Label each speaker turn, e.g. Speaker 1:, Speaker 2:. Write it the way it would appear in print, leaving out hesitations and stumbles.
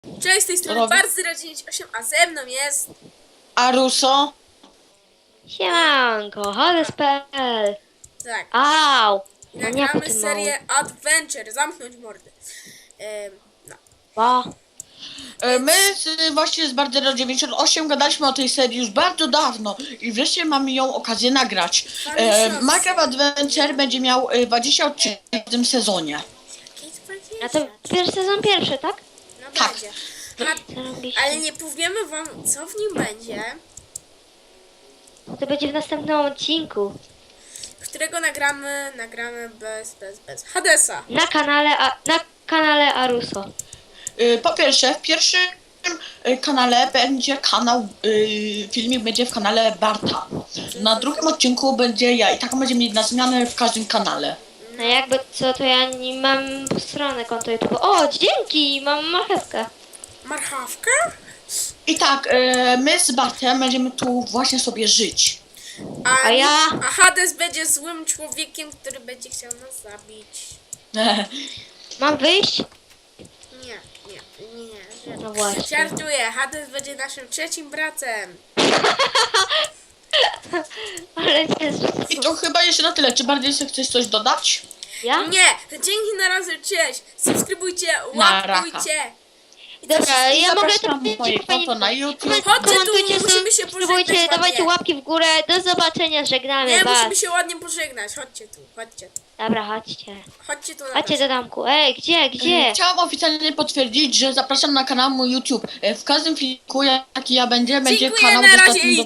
Speaker 1: Cześć, z tej strony
Speaker 2: Robi-
Speaker 1: Barz098, a ze mną jest...
Speaker 2: Aruso?
Speaker 3: Siemanko, Hades.pl.
Speaker 1: Tak,
Speaker 3: Au!
Speaker 1: nagramy serię Adventure, zamknąć mordy. No.
Speaker 3: Ba.
Speaker 2: My właśnie z Barder98 gadaliśmy o tej serii już bardzo dawno i wreszcie mamy ją okazję nagrać. Minecraft Adventure będzie miał 20 odcinków w tym sezonie.
Speaker 3: A to pierwszy sezon pierwszy, tak?
Speaker 1: No
Speaker 2: Tak.
Speaker 1: będzie.
Speaker 3: Zarobiście.
Speaker 1: Ale nie powiemy wam, co w nim będzie,
Speaker 3: To będzie w następnym odcinku.
Speaker 1: którego nagramy bez Hadesa.
Speaker 3: Na kanale Aruso.
Speaker 2: Po pierwsze, w pierwszym kanale będzie kanał, filmik będzie w kanale Barta. Na drugim odcinku będzie ja i tak będzie mieć na zmianę w każdym kanale.
Speaker 3: No jakby co, to ja nie mam stronę konto YouTube. O, dzięki! Mam marchewkę.
Speaker 1: Marchawka?
Speaker 2: I tak, my z Bartem będziemy tu właśnie sobie żyć.
Speaker 3: A ja?
Speaker 1: A Hades będzie złym człowiekiem, który będzie chciał nas zabić.
Speaker 3: Mam wyjść?
Speaker 1: Nie.
Speaker 3: No właśnie.
Speaker 1: Żartuję, Hades będzie naszym trzecim bratem.
Speaker 3: Ale jest...
Speaker 2: I to chyba jeszcze na tyle. Czy bardziej chcesz coś dodać?
Speaker 3: Ja?
Speaker 1: Nie, dzięki na razie, cześć. Subskrybujcie,
Speaker 2: Na raka.
Speaker 1: łapkujcie.
Speaker 3: Dobra,
Speaker 2: I
Speaker 3: ja mogę
Speaker 2: zapraszam
Speaker 3: to
Speaker 2: moje konto na YouTube.
Speaker 1: Chodźcie tu,
Speaker 3: komentujcie,
Speaker 1: musimy się
Speaker 3: subskrybujcie,
Speaker 1: pożegnać
Speaker 3: dawajcie
Speaker 1: ładnie.
Speaker 3: łapki w górę. Do zobaczenia, żegnamy
Speaker 1: Nie,
Speaker 3: was.
Speaker 1: musimy się ładnie pożegnać. Chodźcie tu.
Speaker 3: Dobra, chodźcie.
Speaker 1: Chodźcie tu na
Speaker 3: Chodźcie
Speaker 1: razie.
Speaker 3: do domku. Ej, gdzie?
Speaker 2: Chciałam oficjalnie potwierdzić, że zapraszam na kanał mój YouTube. W każdym filmiku, jaki ja będzie
Speaker 1: Dziękuję,
Speaker 2: kanał
Speaker 1: na razie
Speaker 2: dostępny
Speaker 1: i
Speaker 2: do